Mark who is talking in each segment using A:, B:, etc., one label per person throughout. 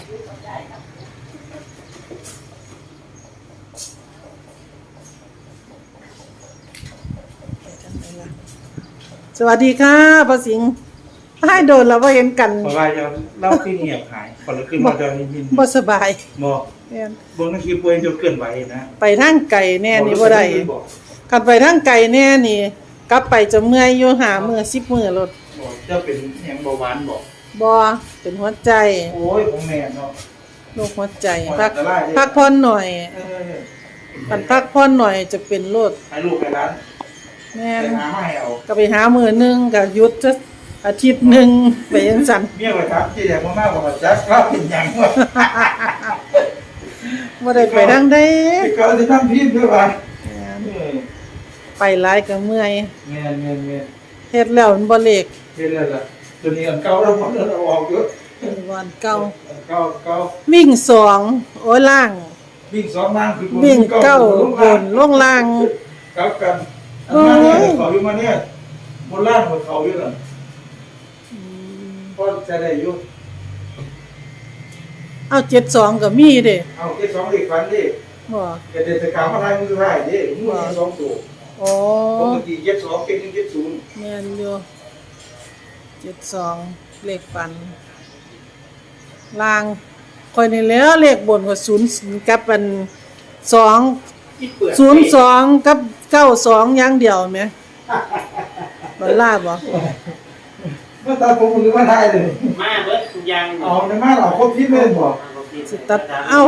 A: สวัสดีค่ะป้าสิงห์ให้โดนแล้วว่าเห็นกัน
B: เพราะว่าจะเล่าที่เงียบหายคนละขึ้นมาจะยิน
A: บ่สบาย
B: บอกบางทีป่วยจนเกินไปนะ
A: ไปทางไก่แน่นี่บ่ได้คันไปทางไก่แน่นี่กลับไปจะเมื่อยอยู่หามื้อ10มื้อรถ
B: จะเป็นแหงเบาหวานบอก
A: บ่เป็นหัวใจ
B: โอ้ยผมแม่เนาะ
A: โรคหัวใจพักผ่อนหน่อยพักผ่อนหน่อยจะเป็นโรค
B: ให้ลูกให้หลาน
A: แม่น
B: หามาให้เอา
A: ก็ไปหามื้อนึงก็หยุดจะอาทิตย์นึงไปจังซั่น
B: เมียไว้ครับที่แดกมากกว่าจักเราเป็นหยังวะ
A: บ่ได้ไปทางใด
B: ก็สิทำพิษด้วยว่า
A: ไปหลายก็เมื่อย
B: แม่
A: เฮ็ดแล้วมันบ่เล็ก
B: เฮ็ดแล้วล่ะตัวนี้อันเก่าแล้วบ่ได้ออกเยอะ
A: วันเก่า
B: วิ่
A: ง2โอ้ยล่าง
B: วิ่ง2ล่างคือ
A: วิ่ง9บนลงล่าง
B: กลับกันอันนี้เขาอยู่มาเนี่ยบนล่างของเขาอยู่นั่นพอจะได้อยู่
A: เอา72ก็มีเด้
B: เอา72เลขฝันดิ
A: บ่
B: ก็ได้สกาวมาทายมือได้ดิมือ2ตัว
A: อ๋อ
B: ปกติ72เก็บ170
A: แม่นอยู่72เลขฝันล่างค่อยนี่แล้วเลขบนก็0กับอัน2 02กับ92อย่างเดียวแหมบ่ลาบ่
B: มาตัดผมหรือมาทายเลย
C: มาเบิดทุกอย่าง
B: อ๋อในมาเราครบที่เลยบ่
A: สิตัด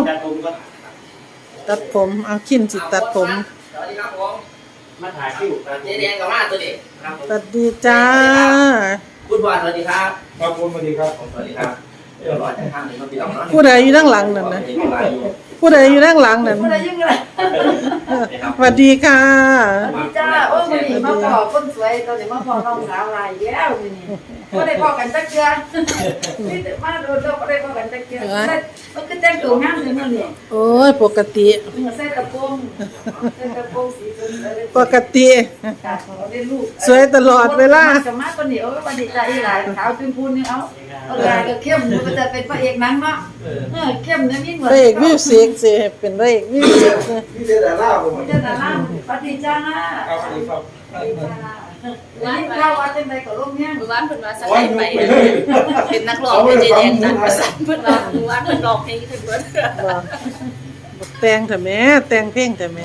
A: ตัดผมเอาขิ้นสิตัดผม
C: สวัสดีครับผมมาถ่ายคิวเจ๊แดงกับมาตัวนี้
A: สวัสดีจ้า
C: คุณบอลสวัสดีครับ
B: ครับผมสวัสดีครับ
C: สวัสดีครับเดี๋ยวรอจะทางนี้มาพี่น้องเนาะ
A: ผู้ใดอยู่ด้านหลังนั่นนะผู้ใดอยู่ด้านหลังนั่น
D: ผู้ใดอยู่ไง
A: สวัสดีค่ะ
D: จ้าโอ้มื้อนี้มาพอคนสวยตอนนี้มาพอน้องสาวหลายแล้วมื้อนี้บ่ได้พอกันจักเทื่อนี่มาโดนบ่ได้พอกันจักเทื่อมันคือแต่งตัวงามจังมื้อนี้
A: โอ้ยปกติ
D: ใส่กระโปรงสีชมพู
A: ปกติสวยตลอดเวลา
D: จะมาคนนี้โอ้ยวันนี้จ้าอีหลายขาวจุ่มพูนนี่เอาลายก็เข้มมันจะเป็นพระเอกหนังเนาะเข้มเนี่ยมีเหมือน
A: พระเอกมิวสิกสิเป็นพระเอกมิวสิก
B: นี่เจดาล่าผม
D: เจดาล่าปฏิจ้า
B: ครับสวัสดีครับ
D: ร้านข้าวว่าจังได๋ก็ลงแฮง
E: มื้อวานเพิ่นว่าสักให้ไปเป็นนักร้องเป็นเจแดงดันประสานเพิ่นว่ามื้อวานเพิ่นร้องเพลงถึงเบิด
A: บ่แต่งเถอะแม่แต่งเพลงเถอะแม่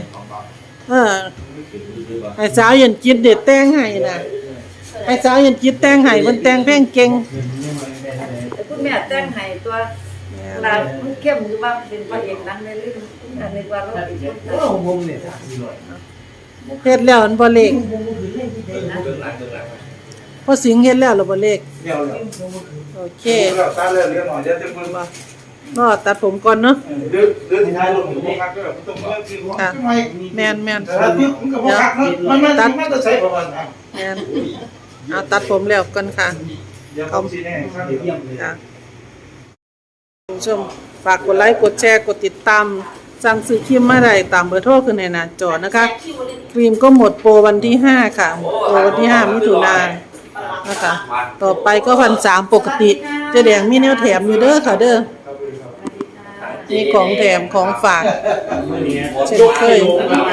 A: ให้สาวยันจิตเด็ดแต่งให้น่ะให้สาวยันจิตแต่งให้เพิ่นแต่งเพลงเก่ง
D: คุณแม่แต่งให้ตัวลามันเข้มหรือว่าเป็นพระเอกหนังในเรื่องอันนี้ว่าเราเป็น
B: ผมเนี่ย
A: เฮ็ดแล้วมันบ่เล็กพอสิงเฮ็ดแล้วหรือบ่เล็กโอเค
B: ตัดแล้วเรียนหน่อยเดี๋ยวจะเพิ่นมา
A: ตัดผมก่อนเนาะ
B: เดือนที่ท้ายลงอยู่บ่คักเด้อต้องเริ่มคือว่า
A: แม่น
B: มันก็บ่คักเนาะมันจะใช้ประมาณนั้น
A: แม่นเอาตัดผมแล้วก่อนค่ะ
B: เดี๋ยวผมสิแน่ข้างเดียว
A: ค่ะผู้ชมฝากกดไลค์กดแชร์กดติดตามสั่งซื้อครีมมาได้ตามเบอร์โทรขึ้นในหน้าจอนะคะครีมก็หมดโปรวันที่5ค่ะโปรวันที่5มิถุนายนนะคะต่อไปก็1,300ปกติเจ๊แดงมีแนวแถมอยู่เด้อค่ะเด้อมีของแถมของฝากเช่นเคย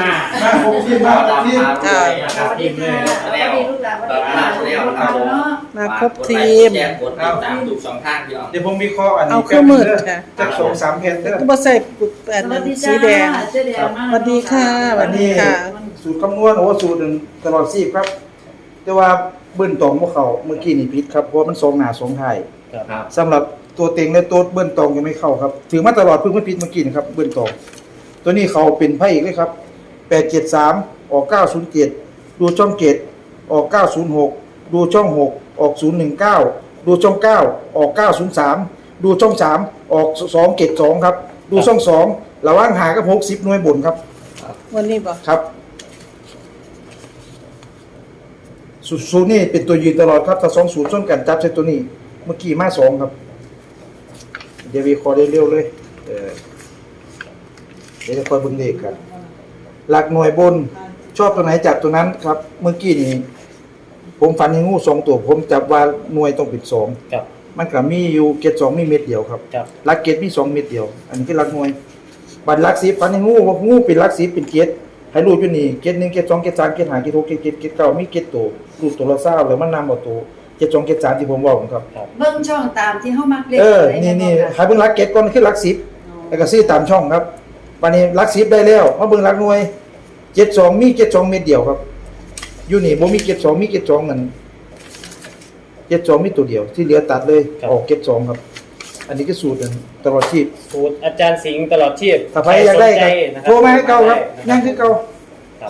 A: มาครบทีม
B: เดี๋ยวผมมีข้ออันนี้
A: เอาเครื่องมือค่ะ
B: จัก2-3แผ่นเด้อ
A: ก็บ่ใส่อันนั้นสีแดงสวัสดีค่ะสวัสดีค่ะ
B: สูตรคำนวณโอ้สูตรนึงตลอดชีพครับแต่ว่าเบิ้ลตรงบ่เข้าเมื่อกี้นี่ผิดครับเพราะมัน2หน้า2ท้ายครับสำหรับตัวเต็งและตัวเบิ้ลตรงยังไม่เข้าครับถือมาตลอดเพิ่งผิดเมื่อกี้นะครับเบิ้ลตรงตัวนี้เขาเป็นพระเอกเลยครับ873ออก907ดูช่อง7ออก906ดูช่อง6ออก019ดูช่อง9ออก903ดูช่อง3ออก272ครับดูช่อง2ระหว่างหากับ60หน่วยบนครับ
A: วันนี้บ่
B: ครับสูตรนี่เป็นตัวยืนตลอดครับถ้า2สูตรชนกันจับใส่ตัวนี้เมื่อกี้มา2ครับเดี๋ยววิเคราะห์ได้เร็วเลยเดี๋ยวจะคอยเบิ่งเลขกันหลักหน่วยบนชอบตัวไหนจับตัวนั้นครับเมื่อกี้นี่ผมฝันเห็นงู2ตัวผมจับว่าหน่วยต้องเป็น2ครับมันก็มีอยู่เกต2มีเม็ดเดียวครับ
F: ครับ
B: หลักเกตมี2เม็ดเดียว อันนี้คือหลักหน่วยบัดหลัก10ฟันให้งูว่างูเป็นหลัก10เป็นเกตให้รู้อยู่นี่เกต1เกต2เกต3เกต5เกต6เกต7เกต9มีเกตตัวรูปตัวละ20แล้วมันนำเอาตัวเกต2เกต3ที่ผมเว้าครับ
D: เบิ่งช่องตามที่เฮามักเล่น
B: นี่ให้เบิ่งหลักเกตก่อนคือหลัก10แล้วก็ซื้อตามช่องครับบัดนี้หลัก10ได้แล้วมาเบิ่งหลักหน่วยเกต2มีเกต2เม็ดเดียวครับอยู่นี่บ่มีเกต2มีเกต2นั่นเกต2มีตัวเดียวที่เหลือตัดเลยออกเกต2ครับอันนี้ก็สูตรตลอดชีพ
F: สูตรอาจารย์สิงห์ตลอดชีพ
B: ถ้าใครอยากได้
F: สนใจ
B: ครับ
F: นะ
B: โทรมาให้เก่าครับ
F: นะ
B: ยังคือเก่า
F: ครับ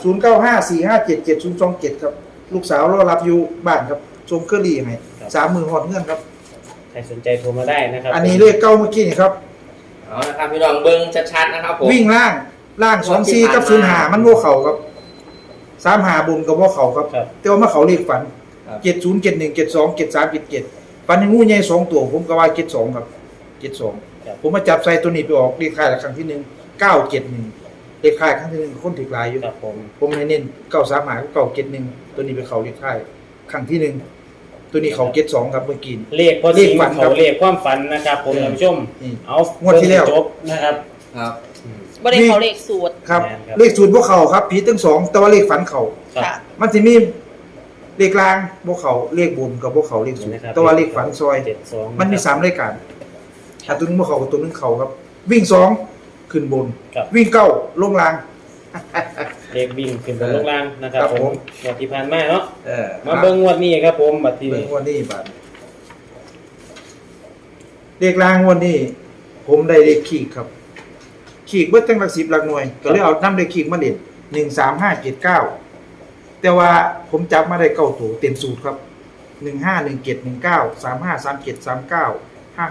B: 0954577027ครับลูกสาวรอรับอยู่บ้านครับส่งเครื่องรีให้30,000ฮอดเงินครับ
F: ใครสนใจโทรมาได้นะครับ
B: อันนี้เลขเก่าเมื่อกี้นี่ครับ
C: เอานะครับพี่น้องเบิ้งชัดๆนะครับผม
B: วิ่งล่าง24กับ05มันบ่เข้าครับ35บุญกับบ่เข้าครับ
F: ครับ
B: แต่ว่ามาเข้าเลขฝัน70 71 72 73 77ฝันให้งูใหญ่2ตัวผมก็ว่า72ครับ72ผมมาจับใส่ตัวนี้ไปออกเลขท้ายครั้งที่1 971เลขท้ายครั้งที่1คนถูกหลายอยู่
F: ครับผม
B: ผมให้เน้น935กับ971ตัวนี้ไปเข้าเลขท้ายครั้งที่1ตัวนี้เข้า72ครับเมื่อกี้
F: เลขพอสิง
B: เลขฝัน
F: เขา
B: ครับ
F: เลขความฝันนะครับผมท่านผู้ชม
B: นี่
F: เอา
B: งวดที่แล้ว
F: จบนะครับ
C: ครับ
E: บ่ได้เขาเลขสูตร
B: ครับ
F: แม่นครับ
B: เลขศูนย์บ่เข้าครับผิดทั้งสองแต่ว่าเลขฝันเข้า
F: ครับ
E: ค่ะ
B: มันสิมีเลขกลางบ่เข้าเลขบนกับบ่เข้าเลขศูนย์
F: นะครับ
B: แต่ว่าเลขฝันซอย
F: 72
B: มันมี3รายการถ้าตัวนึงบ่เข้ากับตัวนึงเข้าครับ วิ่ง2ขึ้นบน
F: ครับ
B: วิ่ง9ลงล่าง
F: เลขวิ่งขึ้นบนลงล่างนะครับ
B: ครับ
F: ผ
B: ผม ม
F: งวดที่ผ่านมาเนาะ
B: อ
F: มาเบิ่งงวดนี้ครับผมบัดที
B: เบิ่
F: นี้
B: งวันนี้บาดเลขล่างวันนี้ ผมได้เลขขีดครับ ขีดเบิดตั้งหลัก10หลักหน่วย ก็เลยเอานำเลขขีดมาเล่น13579แต่ว่าผมจับมาได้9ตัวเต็มสูตรครับ 151719 353739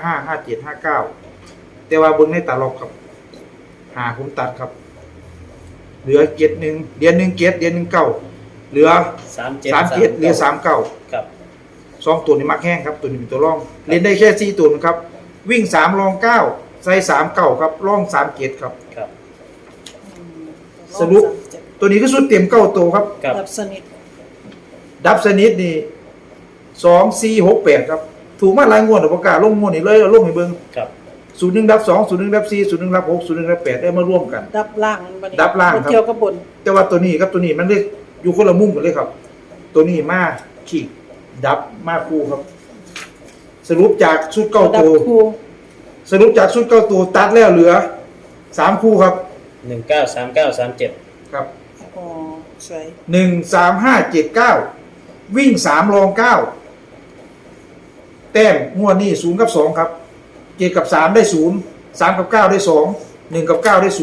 B: 555759แต่ว่าเบิ่งในตลกครับผมตัดครับ เหลือเกต1เดือน1เกตเดือน1 9เหลือ
F: 37
B: 3เกตเหลือ3 9
F: ครับ
B: 2ตัวนี้มักแห้งครับตัวนี้เป็นตัวร่องเล่นได้แค่4ตัวนะครับ วิ่ง3รอง9ใส่3 9ครับร่อง3เกตครับ
F: ครับ
B: สรุป ตัวนี้ก็สุดเต็ม9ตัวครับ
F: ครับ
A: ดับสนิท
B: ดับสนิทนี่2 4 6 8ครับถูกมาหลายงวดประกาศลงงวดนี่เลยเอาลงให้เบิ่ง
F: ครับ
B: 01ดับ2 01ดับ4 01ดับ6 01ดับ8ได้มาร่วมกัน
A: ดับล่างมันบัดนี้
B: ดับล่างครับ
A: บ่เกี่ยวกับบน
B: แต่ว่าตัวนี้ครับตัวนี้มันเลยอยู่คนละมุมกันเลยครับ ตัวนี้มาขีดดับมาคู่ครับ สรุปจากชุดเก้า
A: ดับ
B: ตัว
A: คู่
B: สรุปจากชุดเก้าตัวตัดแล้วเหลือ3คู่ครับ
F: 193937
B: ครับ
A: อ๋อสวย
B: 13579วิ่ง3รอง9แต้มงวดนี้0กับ2ครับ7กับ3ได้0 3กับ9ได้2 1กับ9ได้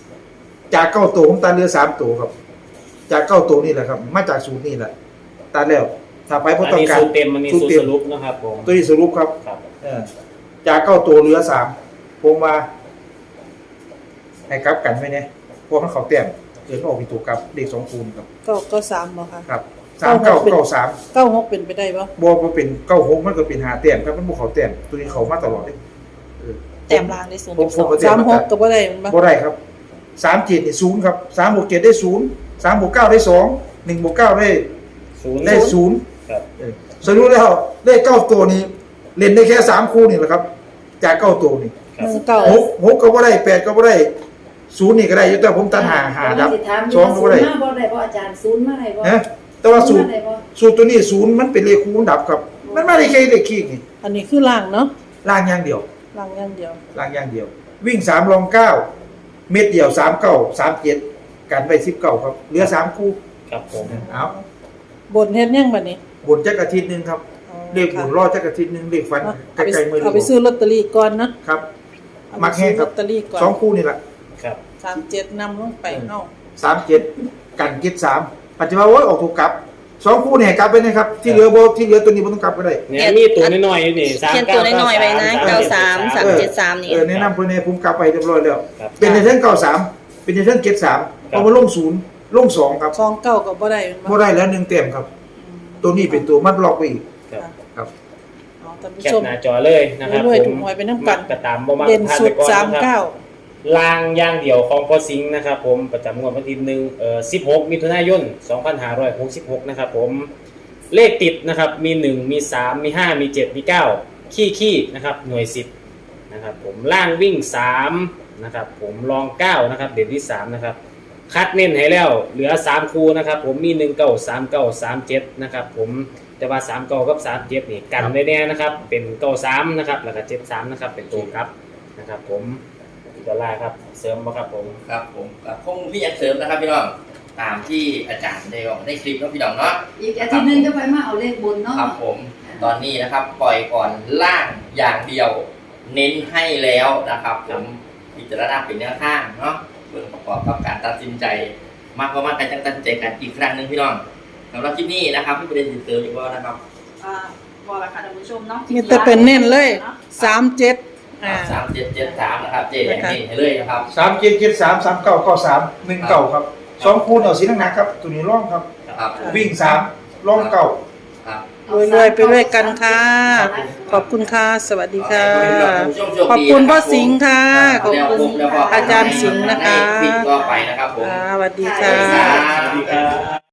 B: 0จาก9ตัวผมตัดเหลือ3ตัวครับ จาก9ตัวนี่แหละครับ มาจาก0นี่แหละตัดแล้วถ้าไปบ่
F: อัน
B: ต้อง
F: นี้
B: การ
F: สูตรเต็มมันมีสูตร
B: เต็
F: สรุปนะครับผม
B: ตัวนี้สรุปครับ
F: ครับ
B: จาก9ตัวเหลือ3ผมมาให้กลับกันไว้เนี่ยพวกมันเขาแต้มเกิดออกเป็นตัวกลับเด็ก2คูณครับ
A: ก็3บ่ค่ะ
B: ครับ3 9 9 3
A: 96เป็นไปได้บ่
B: บ่บ่เป็น96มันก็เป็น5แต้มครับมันบ่เขาแต้มตัวนี้เขามาตลอดเลย
E: แต้มล่างได้สูง
B: ผม
E: 12
B: ก็แต้ม
A: 36ก็บ่ได้มันบ่
B: บ่ได้ครับ37นี่0ครับ3บวก7ได้0 3บวก9ได้2 1บวก9ได้
F: ศูนย์
B: ได้0
F: ครับ
B: สรุปแล้วเลข9ตัวนี้เล่นได้แค่3คู่นี่แหละครับ จาก9ตัวนี่
F: ครับ
A: 19
B: 6ก็บ่ได้8ก็บ่ได้0นี่ก็ได้อยู่แต่ผมตัด5ดับ2ก็บ่ได้
D: มาบ่ได้บ่อาจารย์ศูนย์มาได้บ่
B: นะแต่ว่าสูตร
D: มาได้บ่
B: สูตรตัวนี้0มันเป็นเลขคูณดับครับ มันไม่ได้แค่เลขคีกนี่
A: อันนี้คือล่างเนาะ
B: ล่างอย่างเดียว
A: ล่างอย่างเดียว
B: ล่างอย่างเดียว วิ่ง3รอง9เม็ดเดียว39 37กันไป19ครับเหลือ3คู่
F: ครับผม
B: เอา
A: บนเฮ็ดยังบัดนี้
B: บนจักอาทิตย์นึงครับ
A: อ๋อ
B: เลขหมุนรอดจักอาทิตย์นึงเลขฟัน
A: เอา
B: ใกล้ๆมือ
A: เอาไปซื้อลอตเตอรี่ก่อนนะครับ เอาไป
B: มักแห้งครับ
A: ซื้อลอตเตอรี่ก่อน
B: 2คู่นี่แหละ
F: ครับ
A: 37นำลงไปเอ้า
B: 37กันเก็ด3ปัจจุบันว่าออกถูกกลับ2คู่เนี่ยกลับไปนะครับที่เหลือบ่ที่เหลือตัวนี้บ่ต้องกลับก็ได้
F: เนี่ยมีตัวน้อยๆอยู่นี่
E: เขียนตัวน้อยๆไว้นะ93 373นี่
B: แนะนำเพิ่นให้ผมกลับไปเรียบร้อยแล้ว
F: ครับ
B: เป็นในเรื่อง93เป็นในเรื่อง73เอามาลง0ลง2ครับ
A: 29ก็บ่ได้มัน
B: บ่ได้แล้ว1เต็มครับ ตัวนี้เป็นตัวมัดล็อกไว้อีก
F: ครับ
B: ครับ
A: เอาท่านผู้
F: แคป
A: ชม
F: หน้าจอเลยนะครับ
A: รวยๆ
F: ผม
A: ถูกหวยไปน้ำกัน
F: กระตามบ่มา
A: เด่น
F: พลาด
A: สุ
F: ไป
A: ด
F: ก่อนนะครับ
A: 39
F: ลางอย่างเดียวของพอสิงห์นะครับผมประจำงวดวันที่16 มิถุนายน 2566 นะครับผมเลขติดนะครับมี 1 มี 3 มี 5 มี 7 มี 9 ขี้นะครับหน่วย10นะครับผมล่างวิ่ง3นะครับผมรอง9นะครับเด่นที่3นะครับคัดเน้นให้แล้วเหลือ3คู่นะครับผมมี1 9 3 9 3 7นะครับผมแต่ว่า3 9กับ3 7นี่กันไว้แน่นะครับเป็น9 3นะครับแล้วก็7 3นะครับเป็นตัวครับนะครับผมดอลลาร์ครับเสริมบ่ครับผม
C: ครับผมคงพี่ยังเสริมนะครับพี่น้องตามที่อาจารย์ได้บอกได้คลิปแล้วพี่น้องเนาะ
D: อีกอาทิตย์หนึงก็ไปมาเอาเลขบนเนาะ
C: ครับผมตอนนี้นะครับปล่อยก่อนล่างอย่างเดียว เน้นให้แล้วนะครับผมพิจารณาเป็นแนวทางเนาะเพื่อประกอบกับการตัดสินใจมากกว่าการตัดสินใจกันอีกครั้งหนึ่งพี่น้องสำหรับคลิปนี้นะครับพี่ประเด็นเติมอีกว่านะครับ
E: บอกละค่ะท่านผู้ชมเนาะ
A: มีแต่เป็นเน้นเลย37
C: 3773นะครับเจ๊แดงนี่ให้เลยนะครับ
B: 3773 3993 19ครับ2คูณเอาสีหนักๆครับตัวนี้ร่องครับ
C: ครับ
B: วิ่ง3ร่องเก่า
C: ครับ
A: รวยๆไปด้วยกันค่ะขอบคุณค่ะสวัสดีค่ะ ขอบคุณพ่อสิงห์ค่ะขอบคุณอาจารย์สิงห์นะคะ
C: ปิดก็ไปนะครับผม
A: สวัสดีค่ะ
C: สวัสดีครับ